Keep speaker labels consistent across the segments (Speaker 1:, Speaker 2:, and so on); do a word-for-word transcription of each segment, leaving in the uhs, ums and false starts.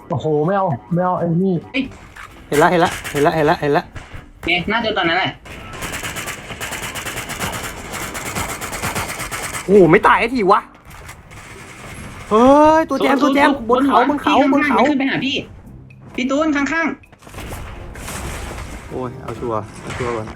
Speaker 1: โอ้โหไม่เอาไม่เอาไอ้นี่
Speaker 2: เห็นละเห็นละเห็นละเห็นละเห็นละ
Speaker 3: โอเคน่าจะตอนนั้นแหละ
Speaker 2: โอ้โหไม่ตายไอ้ทีวะเฮ้ยตัวแจมตัวแจมบนเขาบนเขาบนเขา
Speaker 3: ขึ้นไปหาพี่พี่ตูนข้าง
Speaker 2: โอ้ยเอาชัวร์เอาชัวร์ก่อน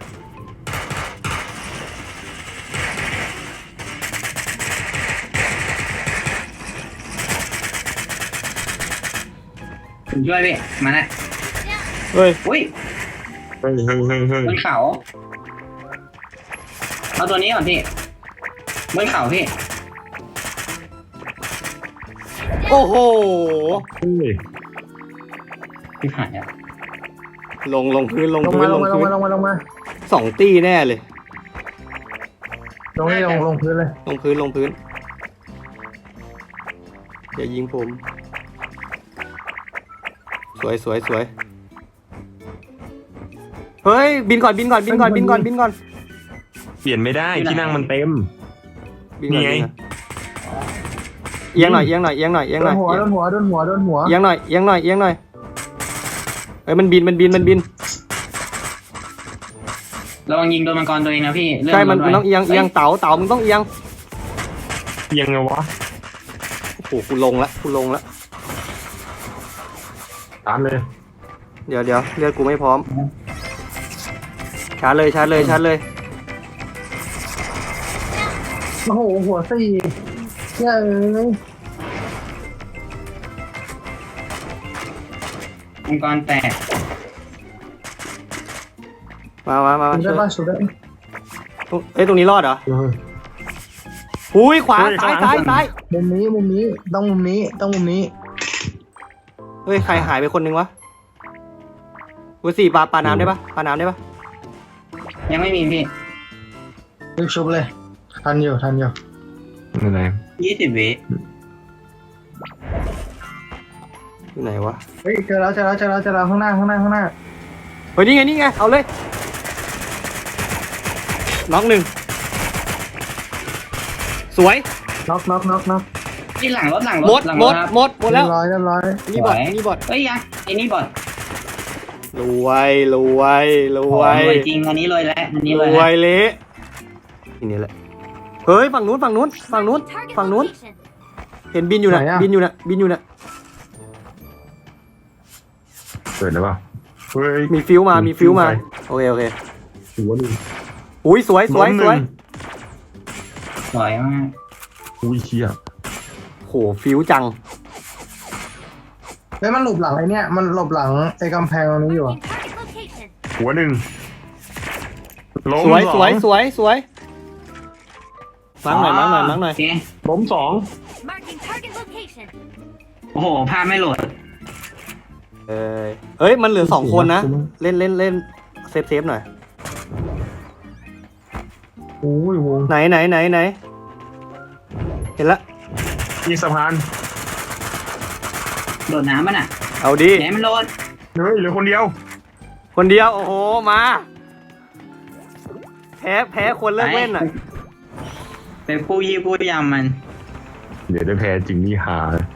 Speaker 3: ๆผมช่วยพี่มาแล้ว
Speaker 2: เฮ้ย
Speaker 3: อุ้ย
Speaker 4: เฮ้ยเฮ้ยเฮ้ยเฮ้ย
Speaker 3: บนเขาเอาตัวนี้ก่อนพี่บนเขาพี่
Speaker 2: โอ้โห
Speaker 4: เฮ้ย
Speaker 3: พี่หายอ่ะ
Speaker 2: ลงลงพื้นลง
Speaker 1: ลง
Speaker 2: พื้
Speaker 1: มาน ล
Speaker 2: ล
Speaker 1: ง
Speaker 2: ง
Speaker 1: มาลง
Speaker 2: พื้น
Speaker 1: มาลงมาลงมา
Speaker 2: สองตีแน่เลย
Speaker 1: ลงนี่ลงลงพื้นเลย
Speaker 2: ลงพื้นลงพื้นอย่ายิงผม สวยสวยสวยเฮ้ยบินก่อนบินก่อนบินก่อนบินก่อนบินก่อน
Speaker 4: เปลี่ยนไม่ได้ที่นั่งมันเต็ม
Speaker 2: บินก่อน
Speaker 4: นี่ไง
Speaker 2: บินก่อนเอียงหน่อยเอียงหน่อยเอียงหน่อยเอียง
Speaker 1: โด
Speaker 2: หน่อน ย
Speaker 1: หัวโดนหัวโดนหัวโดนหัว
Speaker 2: เอียงหน่อยเอียงหน่อยเอียงหน่อยเอ้ยมันบินมันบินมันบิน
Speaker 3: ระวังยิงโดนมังกรตัวเองนะพี่เรื่อง
Speaker 2: ใช่มัน
Speaker 3: รถ
Speaker 2: มัน
Speaker 3: ไว้
Speaker 2: ต้องเอียงเอียงเต๋าเต๋ามึงต้องเอียง
Speaker 4: ยังไงวะ
Speaker 2: โอ้โหกูลงละกูลงละ
Speaker 4: ตามเลย
Speaker 2: เดี๋ยวเดี๋ยวเลือดกูไม่พร้อมชาร์จเลยชาร์จเลยชาร์จเลย
Speaker 1: โอ้โหหัวสี่เย้ย
Speaker 3: มังกรแตก
Speaker 2: มามามามา
Speaker 1: สุด
Speaker 2: ช่
Speaker 1: ได้
Speaker 2: วย
Speaker 1: ป่ะสุดได้
Speaker 2: ตรงเอ้ยตรงนี้รอดเหรอ
Speaker 4: เออ
Speaker 2: หุยขวา
Speaker 4: เฮ้ย
Speaker 2: ซ้าย
Speaker 4: ข้างหลั
Speaker 2: ซ้าง ยซ้าย
Speaker 1: มุมนี้มุมนี้ต้องมุมนี้ต้องมุมนี้
Speaker 2: เฮ้ยใครหายไปคนนึงวะเวอร์สี่ปลาปลาน้ำได้ปะปลาน้ำได้ปะ
Speaker 3: ยังไม่มีพี่
Speaker 1: รีบชุบเลยทันอยู่ทันอยู่
Speaker 4: อะไร
Speaker 3: ยี่สิบวิ
Speaker 2: อยู่ไหนวะ
Speaker 1: เฮ้ยเจอแล้วเจอแล้วเจอแล้วเจอแล้วข้างหน้าข้างหน้าข้างหน้า
Speaker 2: เฮ้ยนี่ไงนี่ไงเอาเลยน็อกหนึ่งสวย
Speaker 1: น็อกน็อกน็อกน็อก
Speaker 3: ที่หลังรถหลังร
Speaker 2: หม
Speaker 3: ถ
Speaker 2: ด
Speaker 3: หลัง
Speaker 2: หม
Speaker 3: ร
Speaker 2: ด
Speaker 3: ถครับ
Speaker 2: หมดหมดแล้ว
Speaker 1: เรียบร้อยเรียบร้อย
Speaker 2: นี่บอด
Speaker 3: สวย
Speaker 2: นี่บอด
Speaker 3: เฮ้ยยังไอ้นี่บอด
Speaker 2: รวยรวยรว
Speaker 3: รวย ยจริงอันนี้รวยแล้วอันนี้
Speaker 2: ร
Speaker 3: รวย
Speaker 2: ว
Speaker 3: แล้ว
Speaker 2: ยเละทีนี้แหละเฮ้ยฝั่งนู้นฝั่งนู้นฝั่งนู้นฝั่งนู้นเห็นบินอยู่นะบินอยู่นะบินอยู่นะ
Speaker 4: เปิดแล้วเปล่าเฮ้ย
Speaker 2: มีฟิวมามีฟิวมา
Speaker 4: ไป
Speaker 2: โอเคโอเค
Speaker 4: หัวหนึ่ง
Speaker 2: อุ้ยสวยสวย
Speaker 4: ล้มห
Speaker 2: ส
Speaker 4: นึ่ง
Speaker 2: วย
Speaker 3: สวยมาก
Speaker 4: อุ้ยเชี่ย
Speaker 2: โหฟิวจัง
Speaker 1: เฮ้ยมันหลบหลังไอ้เนี่ยมันหลบหลังไอ้กำแพงตรงนี้อยู่อะ
Speaker 4: หัวหนึ่งล้ม
Speaker 2: สวย
Speaker 4: ส
Speaker 2: ส
Speaker 4: อ
Speaker 2: วย
Speaker 4: ง
Speaker 2: สวยสวยมั้งหน่อยมั้งหน่อยมั้งหน่อย
Speaker 3: โอเค
Speaker 4: ล้มสอง
Speaker 3: โอ้โหภาพไม่โหลด
Speaker 2: เอ้ยเอ้ยมันเหลือสองคนนะเล่นเล่นเล่นเซฟเซฟหน่อย
Speaker 4: โอ้ยวง
Speaker 2: ไหนไหนไหนไหนเห็นละ
Speaker 4: มีสะพาน
Speaker 3: โหลดน้ำมันอ่ะ
Speaker 2: เอาดี
Speaker 3: ไหนมันโหลด
Speaker 4: เฮ้ยเหลือคนเดียว
Speaker 2: คนเดียวโอ้โหมาแพ้แพ้คนเลิกเล่นอ่ะ
Speaker 3: เป็นผู้ยี่ผู้ยำมัน
Speaker 4: เดี๋ยวได้แพ้จริงนี่หา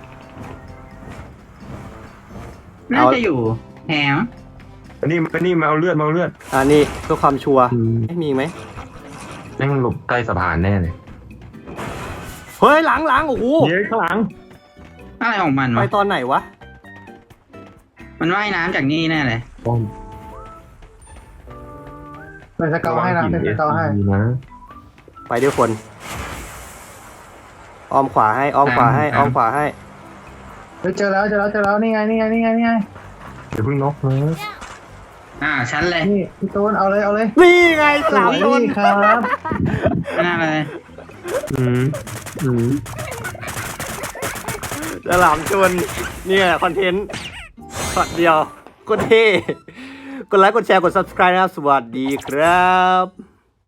Speaker 3: น่าจะอยู่แถม
Speaker 4: อันนี้อันนี้มาเอาเลือดมาเอาเลือด
Speaker 2: อ่านี่เพื่อความชัวร์
Speaker 4: อืม
Speaker 2: ไม่มีไหม
Speaker 4: แม่งหลบใต้สะพานแน่เลย
Speaker 2: เฮ้ยหลังหลังโอ้โห
Speaker 4: เย้ข้างหลัง
Speaker 3: อะไรของมัน
Speaker 2: ไป
Speaker 3: วะ
Speaker 2: ตอนไหนวะ
Speaker 3: มันว่ายน้ำจากนี่แน่เลย
Speaker 4: ป้อม
Speaker 1: เป็นสเกลให้นะเป็นสเกลให้
Speaker 4: นะ
Speaker 2: ไปด้วยคนอ้อมขวาให้อ้อมขวาให้อ้อมขวาให้
Speaker 1: เฮ้ยเจอแล้วเจอแล้วเจอแล้วนี่ไงนี่ไงนี่ไงนี่ไง
Speaker 4: เดี๋ยวเพิ่งน็อกนะ
Speaker 3: อ่าชั้นเลย
Speaker 1: นี่พี่ตูนเอาเลยเอาเลย
Speaker 2: นี่ไงสาม
Speaker 1: ส
Speaker 2: ค
Speaker 1: วย
Speaker 2: น
Speaker 1: ครับ
Speaker 3: ไม่น่าเลย
Speaker 4: อืมอืม
Speaker 2: ฉลามชนเนี่ยคอนเทนต์ช็อตเดียวก็เท่กดไลค์กดแชร์กด subscribe นะครับสวัสดีครับ